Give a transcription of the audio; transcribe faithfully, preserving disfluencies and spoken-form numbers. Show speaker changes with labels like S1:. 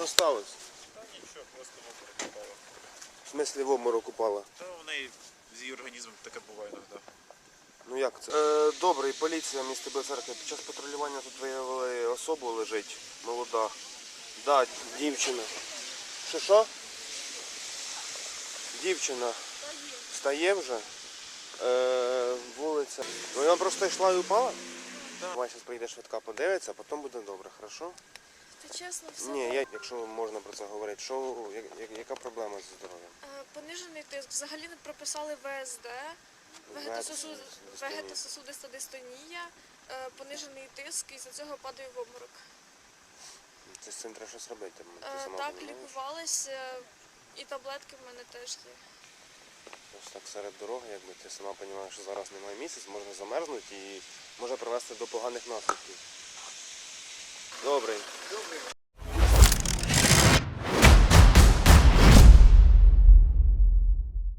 S1: сталося?
S2: Та нічого, просто в обморок упала.
S1: В смислі в обморок упала?
S2: Та у неї з її організмом таке буває іноді.
S1: Ну як це? Е, добре, поліція міста Білоцерква. Під час патрулювання тут виявили особу, лежить, молода. Да, дівчина. Що що? Дівчина. Встає вже. Е, вулиця. Ну вона просто йшла і упала?
S2: Да.
S1: Давай зараз прийде швидка, подивиться, а потім буде добре, хорошо?
S3: Та чесно, все.
S1: Ні, я, якщо можна про це говорити, що, я, я- яка проблема зі здоров'ям?
S3: Е, Понижений тиск. Взагалі не прописали В С Д, вегетососуд-
S1: Вегетососудиста
S3: вегетососудиста дистонія, е, понижений тиск, і за цього падає в обморок.
S1: Це з цим треба щось робити. Ти
S3: Е,
S1: сама
S3: Так,
S1: розумієш?
S3: лікувалася, і таблетки в мене теж є.
S1: Ось так серед дороги, якби ти сама розумієш, що зараз немає місяць, можна замерзнути і може привести до поганих наслідків. Добре.